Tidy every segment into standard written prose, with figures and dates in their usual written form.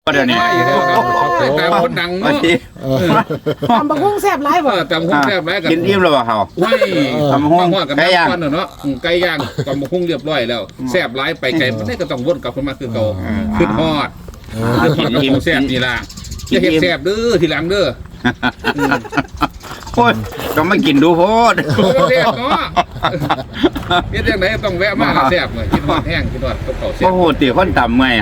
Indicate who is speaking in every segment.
Speaker 1: เดี๋ยวนี้
Speaker 2: แต่คนดัง
Speaker 1: ว่า
Speaker 2: เนาะ
Speaker 1: สิ
Speaker 3: ตำบักหุ่งแซ่บหลายบ่
Speaker 2: แต่คนแซ่บไรกัน
Speaker 1: กินอิ่มแล้วบ่เขา
Speaker 2: ไม่ตำหุ่งกับน้ำก้อนเนาะไก่ย่างตำหุ่งเรียบร้อยแล้วแซ่บไรไปไก่ไม่ได้ก็ต้องวนกลับขึ้นมาคือเก่าขึ้นฮอดกินอิ่มแซ่บนี่ล่ะจะเห็ดแซ่บเด้อทีหลังเด้อ
Speaker 1: โอ้ยต้องมากินดูโพด
Speaker 2: แซ่บเนาะเฮ็ดจังไดต้องแวะมาแซ่บเลยกินฮอดแห้งกินฮอดกับข้าวแซ่
Speaker 1: โอ้
Speaker 2: บ
Speaker 1: โหตีคนต่ำไง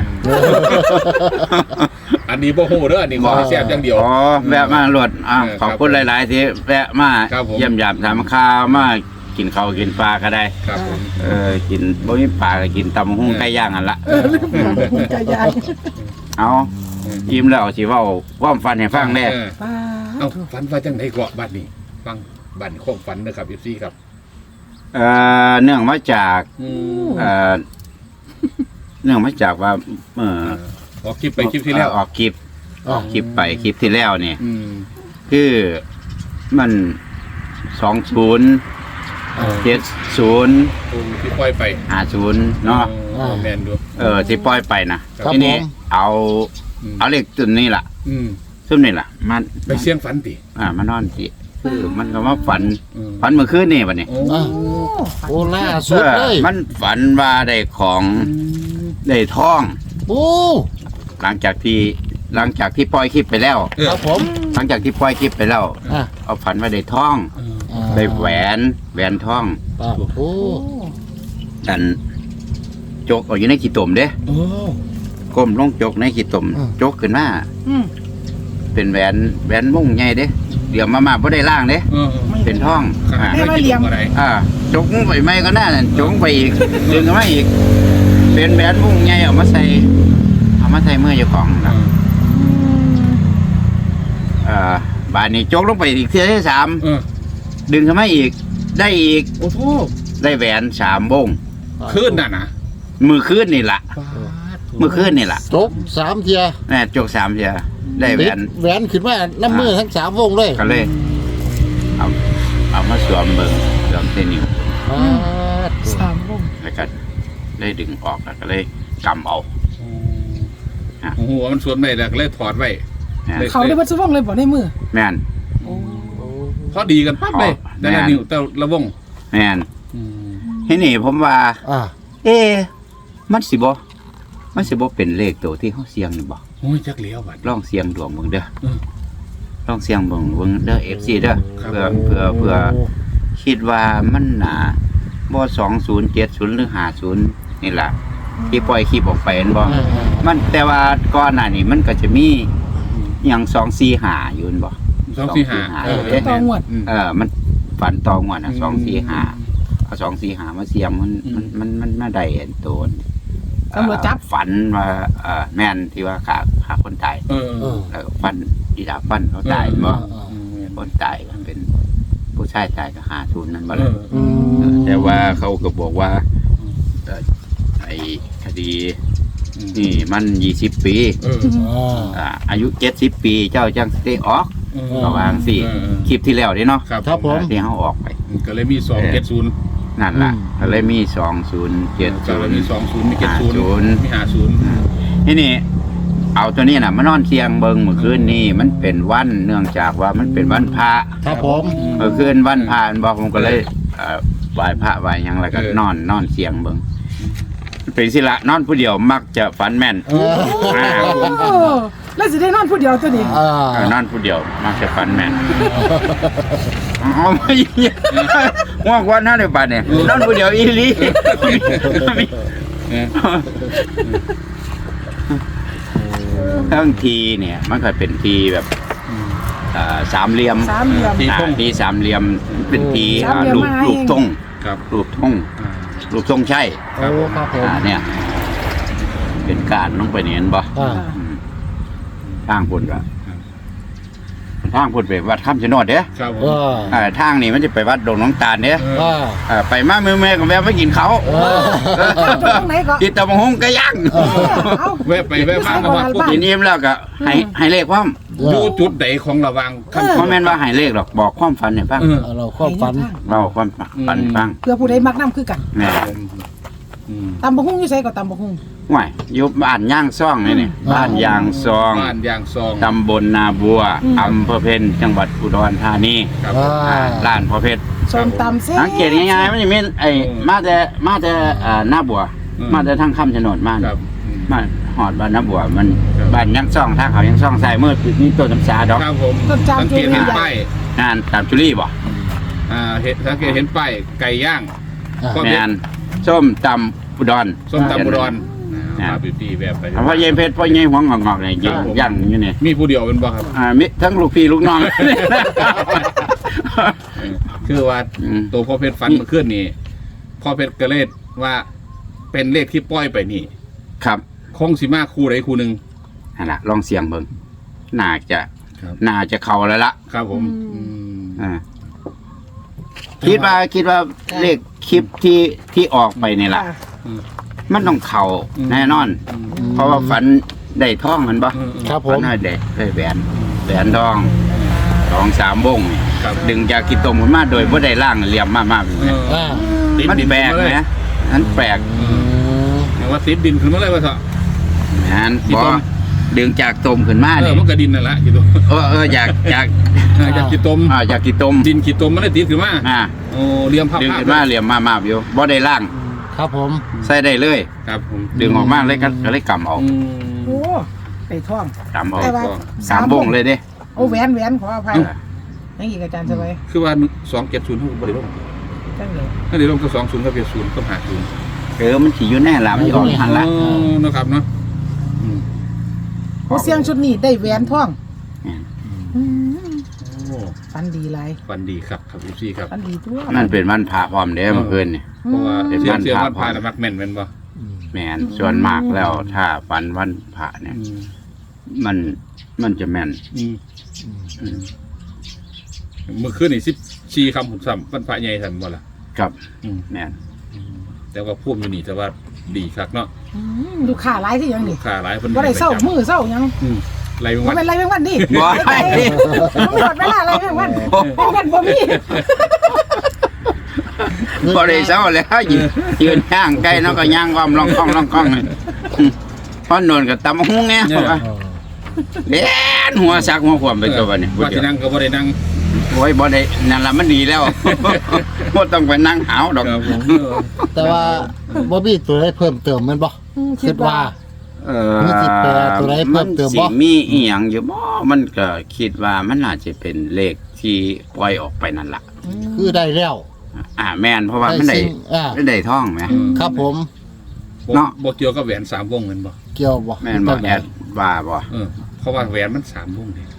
Speaker 2: อันนี้บ่โหเด้ออันนี้ขอให้แซ่บอย่างเดียว
Speaker 1: อ๋อแวะมาหลดขอบคุณหลายๆที่แวะมาเยี่ยมยามถามข้าวมากินข้าวกินปลาก็ได้
Speaker 2: ครับผม
Speaker 1: กินบ่มีปลาก็กินตำหุ้งไก่ย่างอันละ
Speaker 3: ไก่ย่าง
Speaker 1: เอายิ้มแล้วสิเว้าความฝันให้ฟังแน่
Speaker 3: ป้า
Speaker 2: เอาฝันว่าจังไดเกาะบัดนี้ฟังบัดความฝันนะครับ FC ครับ
Speaker 1: เนื่องมาจาก
Speaker 2: อืม
Speaker 1: เนื่องมาจากว่า
Speaker 2: ออกคลิปไปคลิปที่แล้ว
Speaker 1: ออกคลิปไปคลิปที่แล้วนี่
Speaker 2: อืม
Speaker 1: คือมัน2070
Speaker 2: โอ้ที่ปล่อยไป
Speaker 1: 50เนาะ
Speaker 2: แมนดู
Speaker 1: ที่ปล่อยไปนะครับ ทีนี้
Speaker 4: ผม
Speaker 1: เอาเลขตัวนี้ล่ะ
Speaker 2: อืม
Speaker 1: ซึ่งนี่ล่ะมัน
Speaker 2: ไปเสียงฝันติ
Speaker 1: มานอนสิคือมันก็มาฝัน
Speaker 2: อืม
Speaker 1: ฝันเมื่อคืนนี่บัดนี้
Speaker 2: โอ้
Speaker 4: โอ้ล่าสุดเลย
Speaker 1: มันฝันว่าได้ของได้ทอง
Speaker 4: โอ้
Speaker 1: หลังจากที่ปล่อยคลิปไปแล้ว
Speaker 4: ครับผม
Speaker 1: หลังจากที่ปล่อยคลิปไปแล้ว
Speaker 4: อ่ะ
Speaker 1: เอาฝันว่าได้ทอง
Speaker 4: อ่า
Speaker 1: ได้แหวนทอง
Speaker 4: อ่ะโอ้
Speaker 1: กันจกเอาอยู่ในขี้ตมเด้
Speaker 2: โอ้
Speaker 1: ก้มลงจกในขี้ตมจกขึ้นมา
Speaker 3: อืม
Speaker 1: เป็นแหวนวงใหญ่เด้เดี๋ยวมาบ่ได้ล่างเด้ เป็นทอง
Speaker 2: ไม่เหลี่ยมอะไร
Speaker 1: จกไปไม่ก็น่านั่นจกไปอีกดึงขึ้นมาอีก เป็นแหวนวงใหญ่เอามาใส่มือเจ้าของนะบานนี้จกลงไปอีกเที่ยที่3ดึงขึ้นมาอีก ได้อีก
Speaker 2: โอ้โห
Speaker 1: ได้แหวน3วง
Speaker 2: ขึ้นน่ะนะ
Speaker 1: มือคืนนี่ล่ะมือคืนนี่ล่ะ
Speaker 4: จบ3เทีย
Speaker 1: แม่จก3เทียได้แหว
Speaker 4: ติด
Speaker 1: น
Speaker 4: แหวนขึ้นมาน้ำมือทั้ง3วงเลย
Speaker 1: ก็เลยเอามาสวมเบิ่งสวมเส้นนิ้ว
Speaker 4: อ่า
Speaker 3: 3วง
Speaker 1: แล้วก็ได้ดึงออกแล้วก็เลยกำเอา
Speaker 2: โอ้โหมันสวนไม่แล้วก็เลยถอดไว้
Speaker 3: เขาได้บ่ซุวงเลยบ่ในมือ
Speaker 1: แม่น
Speaker 2: พอดีกันปั๊บเลยแต่ละนิ้วแต่ละวง
Speaker 1: แม่นทีนี่ผมว่า
Speaker 4: อ่า
Speaker 1: มันสิบ่เป็นเลขตัวที่เขาเสียงนี่บ่
Speaker 2: โอ้ยจักเหลียวบัด
Speaker 1: ลองเสียงดวงเบิ่งเด้อ
Speaker 2: อืม
Speaker 1: ลองเสียงเบิ่งเด้อ FC เด้อ
Speaker 2: ครับ
Speaker 1: เพื่อคิดว่ามันน่าบ่2070หรือ50นี่ล่ะที่ปล่อยคลิปออกไปเห็นบ่มันแต่ว่าก่อนหน้านี้มันก็จะมีหยัง245อยู่นั่นบ่
Speaker 2: 245
Speaker 3: ต่องวด
Speaker 1: มันฝันตองว่าน่ะ245เอา245มาเสียงมันมาได้อันโตน
Speaker 3: ตำรวจจับ
Speaker 1: ฝันว่าแม่นที่ว่าขาคนตาย
Speaker 2: เออ
Speaker 1: แล้วก็ฟันอีดาฟันเขาตายบ่
Speaker 4: อ่า
Speaker 1: คนตายก็เป็นผู้ชายตายก็50นั่นบ่
Speaker 2: เอ
Speaker 1: ล่ะ
Speaker 2: อ
Speaker 4: อืม
Speaker 1: แต่ว่าเขาก็บอกว่าไอ้คดีนี่มัน20 ปี อายุ70 ปีเจ้าจังสิออกระวังสิคลิปที่แล้วนี่เนาะ
Speaker 4: ครับผม
Speaker 1: ที่เขาออกไป
Speaker 2: ก็เลยมี270
Speaker 1: นั่นล่ะ
Speaker 4: อืม
Speaker 1: ก็เลยมี
Speaker 2: ก็เลยมี
Speaker 1: 2070
Speaker 2: 20มี70มี50
Speaker 1: ทีนี้เอาตัวนี้น่ะมานอนเสียงเบิงเมื่อคืนนี้มันเป็นวันเนื่องจากว่ามันเป็นวันพระ
Speaker 4: ครับผม
Speaker 1: เมื่อคืนวันพระบอกผมก็เลยไหว้พระไหว้หยังแล้วก็นอนเสียงเบิงเป็นสิละนอนผู้เดียวมักจะฝันแม่น
Speaker 4: เออ
Speaker 3: โอ้แล้วสิได้นอนผู้เดียวตัวนี้
Speaker 1: นอนผู้เดียวมักจะฝันแม่นเอาไม่ง่วงวันนั้นเลยบัดเนี่ยนอนผู้เดียวอีหลีทั้งทีเนี่ยมันก็เป็นทีแบบสามเหลี่ยม ทีสามเหลี่ยมเป็นทีรูปทง
Speaker 2: ครับ
Speaker 1: รูปทงใช่
Speaker 4: โอ้ครับผม
Speaker 1: เนี่ยเป็นการลงไปเนี่ยเห็นบ่
Speaker 4: อ่า
Speaker 1: ทางพุ่นก็ทางพุ่นไปวัดข้ามชะโนดเด้
Speaker 2: ครับผม
Speaker 1: ทางนี้มันจะไปวัดดงน้องตาลเด้ ไปมาเมื่อก็แวะไปกินเขา
Speaker 3: ตรงไหนก็
Speaker 1: กินตะมงหงก็ย่าง
Speaker 2: แวะไปแวะมาก็ว่า
Speaker 1: กินอิ่มแล้วก็ให้เลขความ
Speaker 2: อยู่จุดใดของระวังขั้น
Speaker 1: เพราะแม่นว่าให้เลขหรอกบอกความฝันให้ฟัง
Speaker 4: เราความฝัน
Speaker 1: เราความฝันฟัง
Speaker 3: เพื่อผู้ใดมักนำคือกัน
Speaker 1: แม่
Speaker 3: ตำบักหุ่งอยู่ไสก็ตำบักหุ่ง
Speaker 1: ห่วยอยู่บ้านย่างซ่องนี่นี่บ้านยางซอง
Speaker 2: บ้านยางซอง
Speaker 1: ตำบลนาบัวอำเภอเพ็ญจังหวัดอุดรธานี
Speaker 2: ครับ
Speaker 1: ร้านพ่อเพชร
Speaker 3: ส้มตำแซ่บ
Speaker 1: สังเกตง่ายๆมันจะมีไอ้มาแต่หน้าบัว มาแต่ทางคำชะโนดมา
Speaker 2: ครับ
Speaker 1: มาหอดบ้านหน้าบัวมันบ้านย่างซ่องทางเขาย่างซ่องใส่เมื่อนี่ต้นน้ำชาดอก
Speaker 2: ครับผมสังเกตเห็นป้าย
Speaker 1: งานตามจุลี่บ่
Speaker 2: เห็นสังเกตเห็นป้ายไก่ย่าง
Speaker 1: งานส้มตำอุดร
Speaker 2: ส้มตำอุดรมาบิวตี้แบบไป
Speaker 1: เพราะเย็นเพชรเพราะเย็นหัวงอกๆเนี่ยย่างอยู่เนี่ย
Speaker 2: มีผู้เดียวเป็นบ่ครับ
Speaker 1: มิทั้งลูกพี่ลูกน้อง
Speaker 2: คือว่าตัวพ่อเพชรฟันเมื่อคืนนี่พ่อเพชรก็เลยว่าเป็นเลขที่ปล่อยไปนี่
Speaker 1: ครับ
Speaker 2: คงสิมาคู่ใดคู่หนึ่ง
Speaker 1: นั่นล่ะลองเสียงเบิ่งน่าจะ
Speaker 2: ครับ
Speaker 1: น่าจะเข้าแล้วล่ะ
Speaker 2: ครับผม
Speaker 1: อ่าคิดว่าเลขคลิปที่ออกไปนี่ล่ะ มันต้องเข้าแน่นอน เพราะว่าฝันได้ท่องมันบ่
Speaker 4: ครับผ
Speaker 1: ฝัน
Speaker 4: ม
Speaker 1: ว่าได้แหวนทอง2-3วงนี่
Speaker 2: ครับ
Speaker 1: ดึงจากกิตมขึ้นมาโดยบ่ได้ล่างเหลี่ยมมากๆแบบนี้
Speaker 4: อ่า
Speaker 1: มันแปลกนะมันแปลก
Speaker 2: แต่ว่าติดดินขึ้นมาเลยว่าเถอะ
Speaker 1: งั้น
Speaker 2: กิ
Speaker 1: บ่
Speaker 2: ตม
Speaker 1: ดึงจากตมขึ้นมา
Speaker 2: มันก็ดินนั่นแหละกิตม
Speaker 1: อยาก
Speaker 2: จากกิตม
Speaker 1: อยากกิตม
Speaker 2: ดินกิตมมันได้ติดขึ้นมา โอ้เรียมภาพ
Speaker 1: ดึงขึ้นมาเหลี่ยมมากๆอยู่บ่ได้ล่าง
Speaker 4: ครับผม
Speaker 1: ใส่ได้เลย
Speaker 2: ครับผม
Speaker 1: ดึงออกมาเลยก็เลยกำเอา
Speaker 3: โอ้ไปท่อง
Speaker 1: กำเอา
Speaker 3: แต่ว่า
Speaker 1: 3วงเลยเด้
Speaker 3: โอ้แหวนขออภัยยังอีกอาจารย์สบาย
Speaker 2: คือว่า270เขาบริโภค
Speaker 3: จังเลย
Speaker 2: ถ้าได้ลงก็20กับ70ก็50
Speaker 1: มันสิอยู่แน่ล่ะมันสิออกทันละ
Speaker 2: นะครับเนาะ
Speaker 3: ผู้เสียงชุดนี้ได้แหวนท่อง
Speaker 2: โอ้
Speaker 3: ฟันดีหลาย
Speaker 2: วันดีครับครับพี่ครับ
Speaker 3: ฟันดีตัว
Speaker 1: มันเป็นวันพระพร้อมเด้เมื่อคืนนี่
Speaker 2: เพราะว่า
Speaker 1: เดี๋ยว
Speaker 2: เสีย
Speaker 1: มัน
Speaker 2: เสีย
Speaker 1: พา
Speaker 2: วันพานะมักแม่นเป็นบ่
Speaker 1: แม่นส่วนมากแล้วถ้าวันพระเนี่ยมันจะแม่น
Speaker 2: เมื่อคืนนี่14คำผมซ้ำวันพระใหญ่ทันบ่ล่ะ
Speaker 1: ครับแม่น
Speaker 2: แต่ว่าพูดอยู่นี่แต่ว่าดีคักเนาะ
Speaker 3: ดูขาหลายที่ยัง
Speaker 2: ลู
Speaker 3: นี่
Speaker 2: กค้าหลายคน
Speaker 3: บ่ได้เศร้ามือเศร้ายัง
Speaker 2: ไรเป็น
Speaker 3: บ่
Speaker 2: วัน
Speaker 3: เป็นไรแมงวันดิ
Speaker 1: บ่ให้
Speaker 3: หมดเวลาอะไรแมงวันแมงวันบ่มี
Speaker 1: บ่ได้เศร้าแล้วยืนย่างใกล้เนาะก็ย่างความลองกล้องพอโนนก็ตำหุ้งแน่เล่นหัวซักหัวขวมไปตัวนี้
Speaker 2: ว่าที่นั่งก็บ่ได้นั่ง
Speaker 1: โอ้ยบ่ได้นั่นล่ะมันดีแล้วบ่ต้องไปนั่งหาวดอก
Speaker 2: ครับผม
Speaker 4: แต่ว่าบ่มีตัวใดเพิ่มเติมแมันบ่คิดว่า มีสิแปลตัวใดเพิ่มเติมบ่
Speaker 1: นสิมีอีหยังอยู่บ่มันก็คิดว่ามันน่าจะเป็นเลขที่ปล่อยออกไปนั่นล่ะ
Speaker 4: คือได้แล้ว
Speaker 1: แม่นเพราะว่ามันได้
Speaker 4: สิ่ง
Speaker 1: ได้ท่องไหม
Speaker 4: ครับผม
Speaker 1: เนาะ
Speaker 2: บ่เกี่ยวกับแหวน3วงแม่นบ่
Speaker 4: เกี่ยวบ่
Speaker 1: แม่นบ่แอดว่าบ่
Speaker 2: เพราะว่าแหวนมัน3วงนี่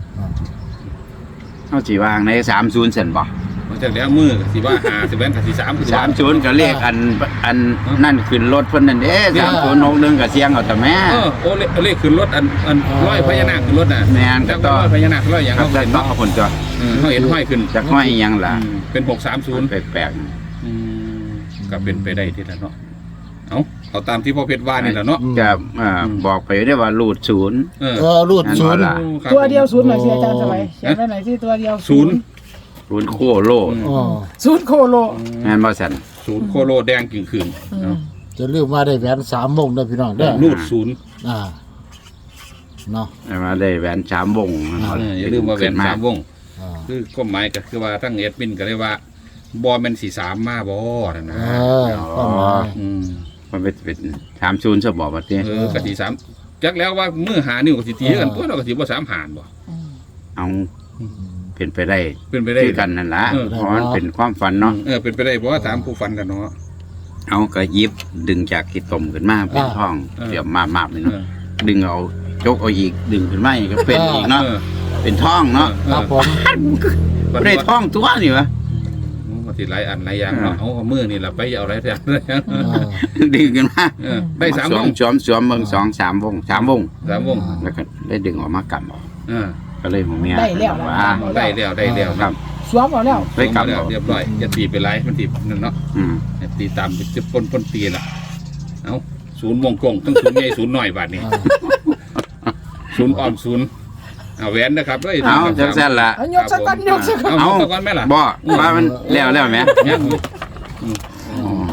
Speaker 1: เฮาสิวางใน30เซนบ่
Speaker 2: มันจากแล้วมือก็สิว่า5สิแหวนก็สิ3คือว่า
Speaker 1: 30ก็เลขอันนั่นขึ้นรถเพิ่นนั่นเด้3061ก็เสียงเอาแต่แม่
Speaker 2: โอ้เลขขึ้นรถอันร้อยพญานาคขึ้นรถน่ะ
Speaker 1: แม่นก็
Speaker 2: แล้ว
Speaker 1: ต่
Speaker 2: ก็
Speaker 1: อ
Speaker 2: ร้อยพญานาคร้อยหยัง
Speaker 1: ครับ
Speaker 2: เขา
Speaker 1: แต่
Speaker 2: เห็น
Speaker 1: ต้อง
Speaker 2: เนาะ
Speaker 1: เอาคนตัว
Speaker 2: เขาเห็นห้อยขึ้น
Speaker 1: จักห้อยอีหยังล่ะ
Speaker 2: เป็น630
Speaker 1: แปลก
Speaker 2: ก็เป็นไปได้ที่ละเนาะเอาตามที่พ่อเพชรว่านี่แหละเนาะ
Speaker 1: ๆก็บอกไปได้ว่ารูดศูนย์
Speaker 4: รูดศูนย์
Speaker 3: ตัวเดียวศูนย์หน่อยสิอาจารย์สบายเขียนไว้หน่อยสิตัวเดียว
Speaker 2: ศูนย์
Speaker 1: ศูนย์โคโล
Speaker 4: อ๋อ
Speaker 3: ศูนย์โคโล
Speaker 1: แม่นบ่ซั่น
Speaker 2: ศูนย์โคโลแดงกึ่งคืน
Speaker 4: จะลืมว่าได้แหวน3วงเด้อพี่น้องเด้อ
Speaker 2: รูดศูนย์
Speaker 4: เนาะ
Speaker 1: มาได้แหวน3วง
Speaker 2: อย่าลืมว่าแหวน3วง
Speaker 4: อ่า
Speaker 2: คือความหมายก็คือว่าทั้งเอดมินก็เลยว่าบอลมัน43มาบ่นั่นนะ
Speaker 4: ก็มา
Speaker 1: มันเป็น30ซะบ่ว่าติ
Speaker 2: ก็43จักแล้วว่ามือหานิ้วก็สิตีกันตัวเราก็สิบ่3หารบ่
Speaker 1: เอาเป็นไปได้
Speaker 2: เป็นไปได้
Speaker 1: คือกันนั่นล่ะเพราะมันเป็นความฝันเนาะ
Speaker 2: เป็นไปได้เพราะว่าถามผู้ฟันกันเนาะ
Speaker 1: เอาก็หยิบดึงจากที่ต้มขึ้นมาเป็นท้องเดี๋ยวมาๆเลยเนาะดึงเอาจกเอาอีกดึงขึ้นมาอีกก็เป็นอีกเนาะเป็นท้องเนาะ
Speaker 4: ครับผม
Speaker 1: บ่ได้ท้องตัวนี่วะ
Speaker 2: มันสิหลายอันหลายอย่างเนาะเอามือนี่ล่ะไปเอาอะไรแท้
Speaker 1: ดึงขึ้นมา
Speaker 2: ได้3วง
Speaker 1: สวมเบิ่ง2-3วง3วง
Speaker 2: 3วง
Speaker 1: แล้วก็ได้ดึงออกมากำเอาก็เลยหัวเมีย
Speaker 3: ได้แล้ว
Speaker 1: ว่า
Speaker 2: ได้แล้ว
Speaker 1: ครับ
Speaker 3: สวมเอาแล้ว
Speaker 1: ได้กำเอา
Speaker 2: เรียบร้อยอย่าตีไปไรมันตีนั่นเนาะ ตีตามจะปนตีล่ะเอาศูนย์วงกลมต้องศูนย์ใหญ่ศูนย์หน่อยบาทนี่ศูนย์อ่อนศูนย์เอาแหวนนะครับด้วย
Speaker 1: เอาจังซั่นล่ะ
Speaker 3: เอายกสักก้อนยกสักก้อน
Speaker 2: เอาตะก้อนไหมล่ะ
Speaker 1: บ่ว่ามันแล้วแหม
Speaker 2: ยัง
Speaker 3: เ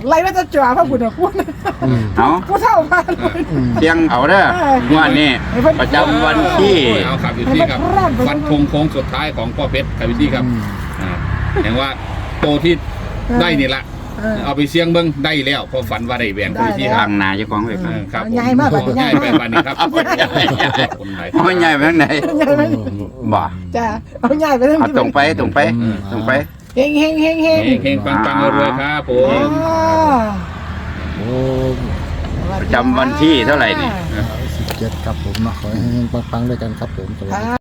Speaker 3: ไล่มาจะจ่อพระบุญคุณ
Speaker 1: เอา
Speaker 3: ผู้เฒ่ามา
Speaker 1: เสียงเอาเด้องวดนี้ประจำวันที่
Speaker 2: เอาครับอยู่ที่ครับวัดธงโค้งสุดท้ายของพ่อเพชรครับอยู่ที่ครับอย่างว่าโตที่ได้นี่ละเอาไปเสี่ยงเบิ่งได้แล้วพอฝันว่าได้แหวนครับอยู่ที่ค
Speaker 1: ทา
Speaker 2: รับ
Speaker 1: งนาเจ้าของไปฟัง
Speaker 2: ครับ
Speaker 3: ใหญ่มาก
Speaker 2: ใหญ่ไปบ้านนี้ครับ
Speaker 1: เอาใหญ่ไปทางไหน
Speaker 3: ใหญ่ไหม
Speaker 1: บ่
Speaker 3: จ้าเอาใหญ่ไปทั้ง
Speaker 1: เอา
Speaker 3: นี้
Speaker 1: ตรงไปตรงไป
Speaker 3: เฮงเฮงเฮงเฮง
Speaker 2: เฮงๆปังๆรวยๆครับผม
Speaker 4: โอ้
Speaker 1: ประจำวันที่เท่าไหร่นี่
Speaker 4: 17ครับผมเนาะขอให้ปังๆด้วยกันครับผมสวัสดี